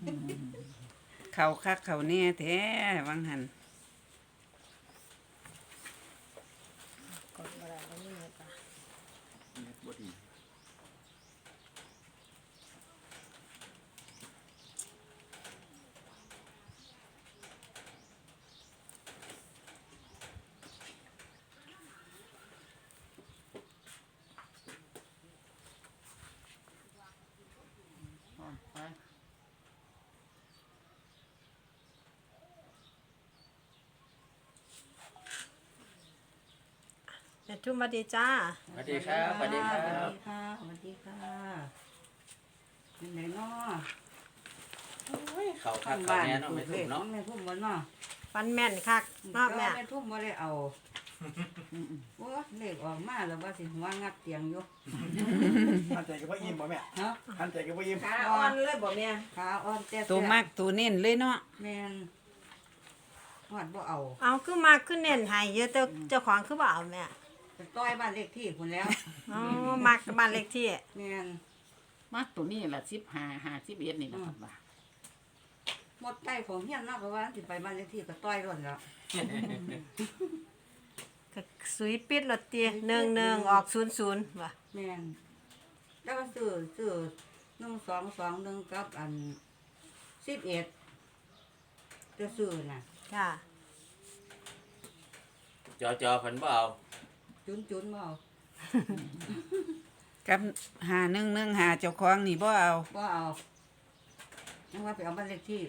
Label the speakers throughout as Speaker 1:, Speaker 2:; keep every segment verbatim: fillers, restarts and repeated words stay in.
Speaker 1: เขาคักเขาแน่แท้วังหัน
Speaker 2: กดบ่ได้บ่มีเน็ตอ่ะ
Speaker 3: เน็ตบ่ดีพร้อมไป
Speaker 2: แม่ทุ่มสวัสดีจ้า
Speaker 4: สวัสดีครับสวัสดีครั
Speaker 1: สวัส
Speaker 4: บ
Speaker 1: ดีค่ะสวัสดีค่ะเป็นไหนเนาะ
Speaker 4: เขาคักเขาแน่เนาะไม่ถูกเนาะ
Speaker 1: แม่ทุ่มวันเนาะ
Speaker 2: ฟันแม่นคักเนาะแม่
Speaker 1: แม่ทุ่มบ่ได้เอาโอ้เลขออกมาแล้วว่าสิหัวงับเตียงอยู่
Speaker 3: ทันใจกับว่าอิ่มบ่แม่
Speaker 1: เนาะ
Speaker 3: ทันใจกับว่าอิ่ม
Speaker 1: ขาอ่อนเลยบ่แม่ขาอ่อนแต่
Speaker 5: ตัวมากตัวเน้นเลยเนาะ
Speaker 1: แม่นฮอดบ่เอา
Speaker 2: เอาคือมาขึ้นเน้นให้เยอะแต่เจ้าของคือบ่เอาแม่
Speaker 1: ไปต้อยบ้านเลขที่พุ่นแล้ว
Speaker 2: อ๋อมักบ้านเลขที่
Speaker 1: แม่น
Speaker 5: มากตัวนี้ละสิบห้าห้าสิบเอ็ดนี่นะครับว่า
Speaker 1: หมดใจของเฮียนเนาะก็ว่าสิไปบ้านเลขที่ก็ต้อยร่นแล้ว
Speaker 2: ก็สุยปิดรถตีหนึ่งหนึ่งออกศูนย์ศูนย์ว่ะ
Speaker 1: แม่นแล้วก็ซื้อซื้อหนึ่งสองสองหนึ่งกับอันสิบเอ็ดจะซื้อน่ะ
Speaker 2: จ้า
Speaker 4: จอจอพันบ่เอา
Speaker 1: จุนจุนบ่เอา
Speaker 5: กับหาหนึ่งหนึ่งหาเจ้าของนี่บ่เอา
Speaker 1: บ่เอายังว่าไปเอาบ้านเลขที่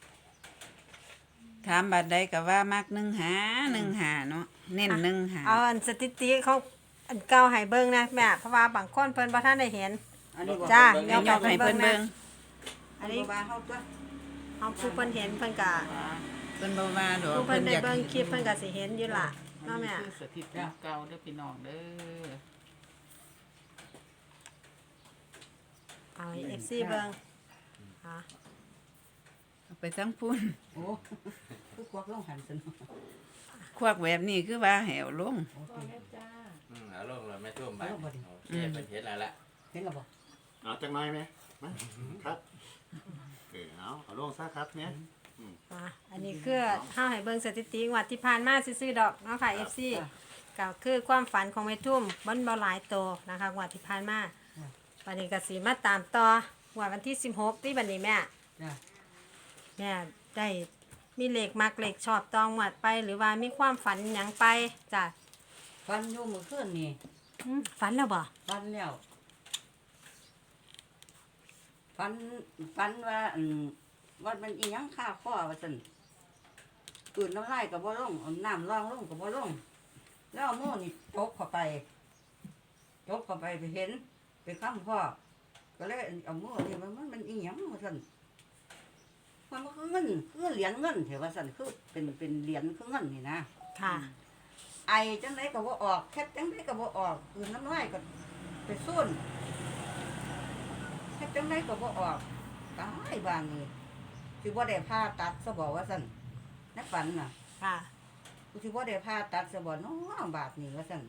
Speaker 5: ถามบัดใดก็ว่ามากหนึ่งหาหนึ่งหาเนาะเน้นหนึ่งหา
Speaker 2: เอาอันสถิติเขาอันเก่าให้เบิ่งนะแม่เพราะว่าบางคนเพิ่นบ่ทันได้เห็น
Speaker 1: อันนี้บ่
Speaker 2: จ้า
Speaker 5: เดี๋ยวยกให้เพิ่นเบิ่ง
Speaker 1: อันนี้บ่ว่าเฮาตัว
Speaker 2: เอาผู้เพิ่นเห็นเพิ่นก็
Speaker 5: เพิ่นบ่ว่าดอก
Speaker 2: ผู้เพิ่นได้
Speaker 5: อยาก
Speaker 2: เบิ่งคลิปเพิ่นก็สิเห็นอยู่ล่ะ
Speaker 5: อัน
Speaker 2: เนาะ
Speaker 5: นี้
Speaker 2: แม่
Speaker 5: คือสถิติเก่าเด้อพี่น้องเด้อ
Speaker 2: เอาให้ เอฟ ซี เบิ่งอ่ะ
Speaker 5: เอาไปทั้งพุ่น
Speaker 1: โอ้คือกวักลงหันซั่น
Speaker 5: ควักแบบนี้คือว่าแหวลง
Speaker 1: โอเค
Speaker 4: อืมเอาลงเลยไม่ท่วมไป
Speaker 1: เอาลงบ่ดิ
Speaker 4: โอเคเป็นเห็นแล้วละ
Speaker 1: เห็นแล้วบ่
Speaker 3: เอาจังหน่อยไหมมาครับเออเอาเอาลงซะครับเนี่ย
Speaker 2: อ่ะอันนี้คือเฮาให้เบิ่งสถิติงวดที่ผ่านมาซื่อๆดอกเนาะค่ะ เอฟ ซี ก็คือความฝันของแม่ทุ่มมันบ่หลายโตนะคะงวดที่ผ่านมาวันนี้ก็สิมาตามต่องวดวันที่สิบหกที่บัดนี้แม่
Speaker 1: จ้ะ
Speaker 2: แม่ได้มีเลขมักเลขชอบตองงวดไป หรือว่ามีความฝันหยังไปจ้ะ
Speaker 1: ฟันอยู่มื้อคืนนี่
Speaker 2: อืมฝันแล้วบ่
Speaker 1: ฟันแล้วฟันฟันว่าอืมว่ามันอีหยังค่าข้อว่าซั่นตื่นน้ำลายก็บ่ลงเอาน้ำรองลงก็บ่ลง แล้วเอามือนี่จกเข้าไปจกเข้าไปไปเห็น ไปค้ำพ่อก็เลยเอามือนี่มันมันมันอีหยังว่าซั่นมันมันคือเงินคือเหรียญเงินเถอะว่าซั่นคือเป็นเป็นเหรียญคือเงินนี่นะ
Speaker 2: ค่ะ
Speaker 1: ไอจังไดก็บ่ออกแค่จังไดก็บ่ออกคือน้ำลายก็ไปซุ่นแค่จังไดก็บ่ออกตายบางนี่สิบ่ได้ผ่าตัดซะบอกว่าซั่นในฝันน่ะ
Speaker 2: ค่ะ
Speaker 1: กูสิบ่ได้ผ่าตัดซะบ่น้อบาดนี่ว่าซั่น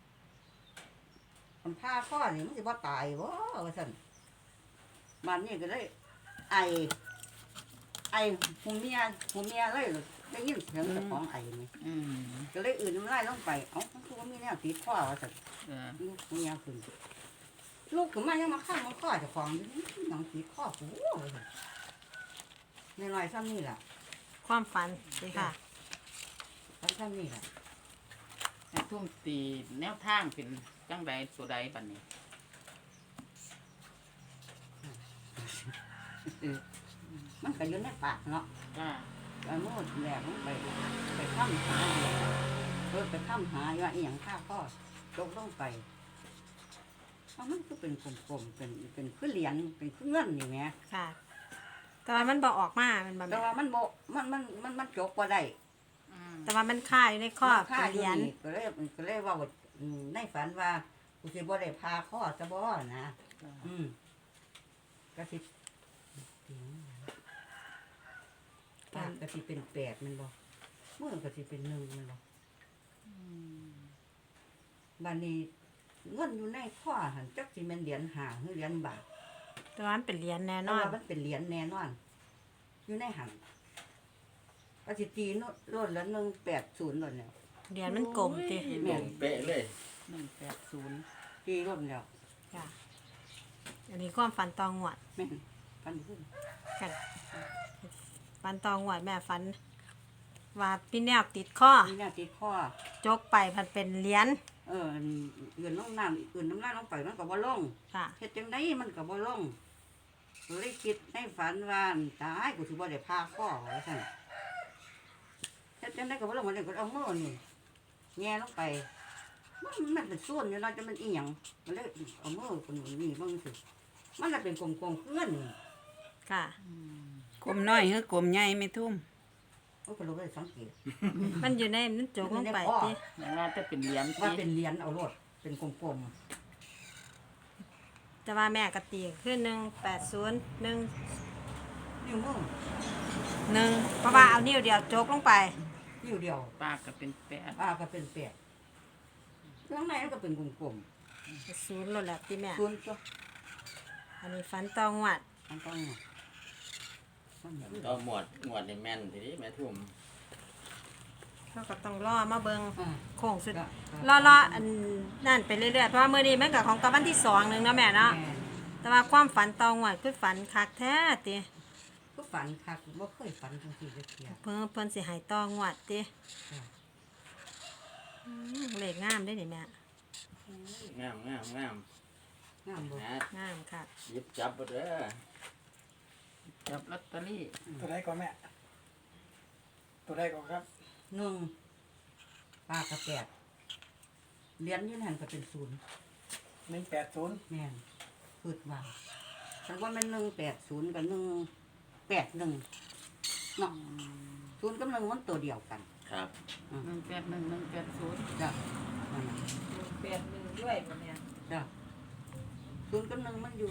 Speaker 1: มันผ่าข้อนี่มันสิบ่ตายบ่ว่าซั่นมันนี่ก็เลยไอ ไอหูเมียหูเมียเลยได้ยินเสียงเจ้าของไอนี่
Speaker 5: อืม
Speaker 1: ก็เลยอื่นน้ำลายลงไป เอ้าคือว่ามีแนวติดข้อว่าสัตว์
Speaker 5: เออ
Speaker 1: ลูกเมียขึ้นลูกขึ้นมายังมาข้างมันข้อเจ้าของอยู่นี่หนังติดข้อกูว่าซั่นในน้อยๆซ้ำนี่ล่ะ
Speaker 2: ความฝันสิค่ะ
Speaker 1: ซ้ำซ้ำนี่ล่ะ
Speaker 5: แม่ทุ่มตีแนวทางเป็นจังใดตัวใดบัดนี้
Speaker 1: เออมันก็อยู่ในปากเนาะ
Speaker 5: จ้า
Speaker 1: ไอ้มืดแหลกมันไปไปข้ามหาอยู่เออไปข้ามหาว่าอีหยังข้าข้อตกลงไปเอามันก็เป็นกลมๆเป็นเป็นคือเหรียญเป็นคือเงินนี่แหม
Speaker 2: ค่ะ แต่ว่ามันบ่ออกมามันบ่
Speaker 1: แต่
Speaker 2: แม่
Speaker 1: ว่ามันโบมันมันมันมันจกบ่ได้
Speaker 5: อืม
Speaker 2: แต่ว่ามันค่าอยู่ในข้อ
Speaker 1: ค่า
Speaker 2: เป็น
Speaker 1: อ
Speaker 2: เห
Speaker 1: ยู่
Speaker 2: รียญ
Speaker 1: นี่ก็เลยก็เลยเว่าอืมในฝันว่ากูสิบ่ได้พาข้อจะบ่นะอืมก็สิปากก็สิเป็นแปดแมันบ่มือก็สิเป็นหนึ่งแมันบ่บัดนี้เงินอยู่ในข้อหันจักสิแม่นเหรียญห้าหรือเหรียญบาท
Speaker 2: แต่ว่ามันเป็นเหรียญแน่น
Speaker 1: แต่
Speaker 2: อน
Speaker 1: ว่ามันเป็นเหรียญแน่นอนอยู่ในหันปฏิตีโนโลดละหนึ่งแปดศูนย์โลดแล้ว
Speaker 2: เหรียญมันกลมติ
Speaker 4: โอ้ยเป๊ะเลย
Speaker 5: หนึ่งแปดศูนย์
Speaker 1: ตีโลดแล้ว
Speaker 2: จ้ะอันนี้ความฝันตองหวด
Speaker 1: แม่นฟันขึ้น
Speaker 2: กันฝันตองหวดแม่ฝันว่าพี่แนวติดข้อ
Speaker 1: นี่น่าติดข้อ
Speaker 2: จกไปมันเป็นเหรียญ
Speaker 1: เอออื่นน้ำน้ำอื่นน้ำน้ำลงไปมันก็บ่ลง
Speaker 2: ค่ะ
Speaker 1: เฮ็ดจังไดมันก็บ่ลงก็เลยคิดในฝันว่าตายกูสิบ่ได้พาข้อว่าซั่นเฮ็ดจังไดก็บ่ลงมันเลยก็เอามือนี่แง่ลงไปมันมันเป็นส่วนอยู่เนาะจะมันอีหยังมันเลยเอามือคนนี่เบิ่งสิมันน่ะเป็นกลมๆเพื่อนนี่
Speaker 2: ค่ะ
Speaker 6: กลมน้อยหรือกลมใหญ่ไม่ทุ่ม
Speaker 1: โอ้ยก็รู้ได้สังเกต
Speaker 2: มันอยู่ในมันจกลงไปติ
Speaker 5: แม่ว่าจะเป็นเหรียญ
Speaker 1: ว่า
Speaker 5: ที่
Speaker 1: เป็นเหรียญเอาโลดเป็นกลม
Speaker 2: แต่ว่าแม่กตีคือหนึ่งแปดศูนย์หนึ่ง
Speaker 1: ๆนิ้วมือ
Speaker 2: หนึ่งเพราะว่าเอานิ้วเดียวจกลงไป
Speaker 1: นิ้วเดียว
Speaker 5: ปากก็เป็นแปด
Speaker 1: อ่าก็เป็นแปดข้างในมันก็เป็นกลม
Speaker 2: ศูนย์ลดแล้วติแม่
Speaker 1: ๆส่วนตัว
Speaker 2: อันนี้ฝันตองหวด
Speaker 1: มันต้องมันเหมือน
Speaker 4: ก็หมวดหมวดนี่แม่นทีนี้แม่ทุ่ม
Speaker 2: เขาก็ต้องรอมาเบิง
Speaker 1: อ่า
Speaker 2: โค้งสุด
Speaker 1: ก็
Speaker 2: รอรออันนั่นไปเรื่อยๆเพราะว่ามื้อนี้มันก็ของกับวันที่สองหนึงเนาะแม่เนาะ
Speaker 1: แม่
Speaker 2: แต่ว่าความฝันตองหวดคือฝันคักแท้ติ
Speaker 1: ก็ฝันคักบ่เคยฝันจังซี่จักเที่ย
Speaker 2: เพิ่นเพิ่นสิให้ตองหวดติ
Speaker 1: จ้ะ
Speaker 2: อืมเลขงามได้นี่แม่
Speaker 4: งามงามงาม
Speaker 1: งามบ่
Speaker 4: นะ
Speaker 2: งามค่ะ
Speaker 4: หยิบจับบ่เด้อ
Speaker 5: จับลอตเตอรี่
Speaker 7: ตัวใดก่อนแม่ ตัวใดก่อนครับ
Speaker 1: หนึ่งปลากระแปดเหรียญอยืนหันก็เป็นศูนย์
Speaker 7: หนึ่งแปดศูนย์
Speaker 1: แม่นคิดว่าฉันว่ามันหนึ่งแปดศูนย์กับหนึ่งแปดหนึ่งเนาะศูนย์กับหนึ่งมันตัวเดียวกัน
Speaker 4: ครับ
Speaker 5: หนึ่งแปดหนึ่งหนึ่งแปดศูนย์
Speaker 1: จ้ะนั่นน่ะ
Speaker 2: แปดหนึ่งด้วยบ่แม่
Speaker 1: จ้ะศูนย์กับหนึ่งมันอยู่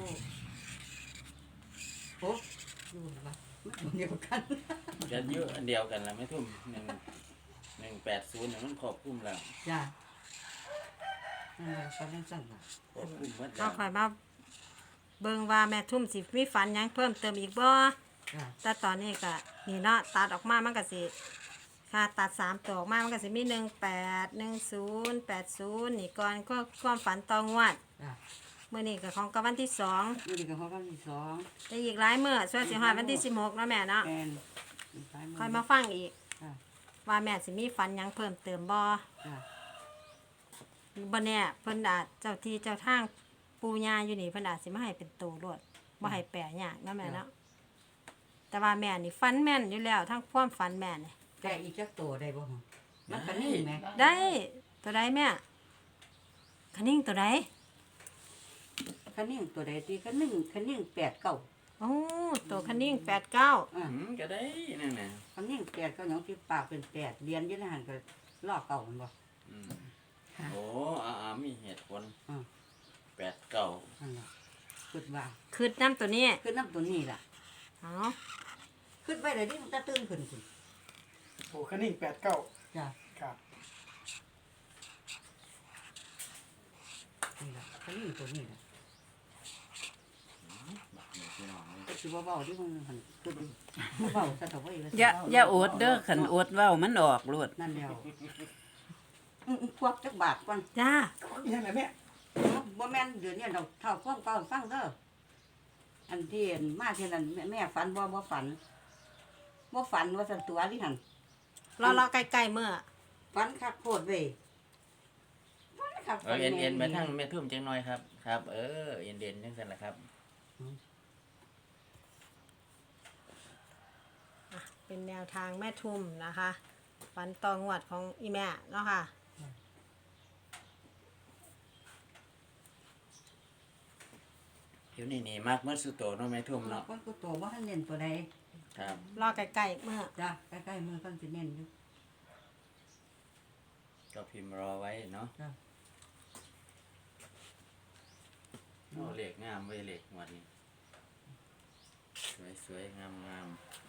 Speaker 1: โอ้อยู่วะมันตัวเดียวกัน
Speaker 4: จะเยอะอันเดียวกันละแม่ทุ่มหนึ่งหนึ่งแปดศูนย์เนี่ยมันครอบคลุมแล้ว
Speaker 1: จ้ะนั่นแหละฝันจังซั่นล่ะ
Speaker 4: ครอบคลุมหมด
Speaker 2: เอา
Speaker 4: แล้ว
Speaker 2: ค่อยมาเบิ่งว่าแม่ทุ่มสิมีฝันหยังเพิ่มเติมอีกบ่
Speaker 1: จ้ะ
Speaker 2: แต่ตอนนี้ก็นี่เนาะตัดออกมามันก็สิค่ะตัดสามตัวออกมามันก็สิมีหนึ่งแปดหนึ่งศูนย์แปดศูนย์นี่ก่อนก็ความฝันตองวัด
Speaker 1: จ้ะ
Speaker 2: เมื่อนี้ก็ของกับวันที่สอง
Speaker 1: อยู่ดีกับเขาก็ที่สอง
Speaker 2: แต่อีกหลายเมื่อช่วยสิฮอดวันที่สิบหกเนาะแม่เนาะ
Speaker 1: แมนซ้ายมื
Speaker 2: ค่อยมาฟังอีก
Speaker 1: จ้ะ
Speaker 2: ว่าแม่สิมีฝันหยังเพิ่มเติมบ่
Speaker 1: จ้ะ
Speaker 2: บ่แน่เพิ่นอาจเจ้าที่เจ้าทางปู่ย่าอยู่นี่เพิ่นอาจสิมาให้เป็นตัวรวดบ่ให้แปรยากเนาะแม่เนาะแต่ว่าแม่นี่ฝันแม่นอยู่แล้วทั้งความฝันแม่นี่
Speaker 1: แกะอีกจักตัวได้บ่ฮะมันก็นิ่งไหม
Speaker 2: ได้ตัวใดแม่คันนิ่งตัวใด
Speaker 1: คันนิ่งตัวใดตีคันนิ่งคันนิ่งแปดเก้า
Speaker 2: โอ้ตัวคันนิ่งแปดเก้า
Speaker 1: อ่า
Speaker 4: อืมก็ได้นั่นน่ะ
Speaker 1: คันนิ่งแปดเก้าหยังที่ปากเป็นแปดเรียนอยืนหันก็ลอกเก่ามันบ่
Speaker 4: อืมโอ้อาอามีเหตุผล
Speaker 1: อ่า
Speaker 4: แปดเก้า
Speaker 1: นั่นล่ะคิดว่า
Speaker 2: คืดน้ำตัวนี้
Speaker 1: คือน้ำตัวนี้ล่ะ
Speaker 2: เอา
Speaker 1: คิดไว้เลยนี่มันจะตื่นขึ้นคุณ
Speaker 7: โอ้คันนิ่งแปดเก้า
Speaker 1: จ้ะ
Speaker 7: ครับ
Speaker 1: นี่ล่ะคันนิ่งตัวนี้ล่ะ
Speaker 4: บักนี่พี่น้องเลย
Speaker 1: ก็คือว่าเบาที่มันหันคิดดูเบาซะเถอะเว้ยว่า
Speaker 6: อย่าอย่าอดเด้อขันอดเว้ามันออกโลด
Speaker 1: นั่นแล้วอื้อๆควักจักบาทก่อน
Speaker 2: จ้า
Speaker 7: อีหยังไงแม่
Speaker 1: บ่แม่นเดี๋ยวนี้เราเท่าความเก่าฟังเด้ออันที่มาเท่านั้นแม่แม่ฝันบ่บ่ฝันบ่ฝันว่าสันตัวที่หัน
Speaker 2: รอรอใกล้ๆเมื่อ
Speaker 1: ฝันคักโคตรเว้ยฝันคัก
Speaker 4: เออเอ็นเอ็นไปทางแม่ทุ่มจังหน่อยครับครับ เออเอ็นเด่นจังซั่นแหละครับ
Speaker 2: เป็นแนวทางแม่ทุมนะคะฝันตองวดของอีแม่เนาะค่ะ
Speaker 4: อยู่นี่นี่มากเมื่อสุดโตเนาะแม่ทุ่มเนาะ
Speaker 1: คนกูโตบ่ทันเน้นตัวใด
Speaker 4: ครับ
Speaker 2: รอใกล้ๆเมื่อ
Speaker 1: จ้ะใกล้ๆมือเพิ่นสิเน้นอยู่
Speaker 4: ก็พิมพ์รอไว้เนาะ
Speaker 1: จ้ะ
Speaker 4: โอ้เหล็กงามเว้ยเหล็กวันนี้สวยสวยงามงาม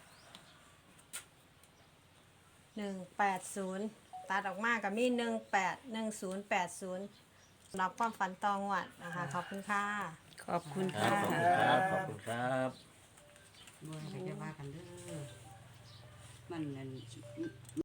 Speaker 2: หนึ่งแปดศูนย์ตัดออกมากับมีหนึ่งแปดหนึ่งศูนย์แปดศูนย์สำหรับความฝันตองวดนะคะ ขอบคุณค่ะ
Speaker 6: ขอบคุณ
Speaker 4: ครับ
Speaker 6: ค่ะ
Speaker 4: ขอบคุณครับขอบคุณครับ
Speaker 1: บ่ให้ไปว่ากันเด้อมันนั่น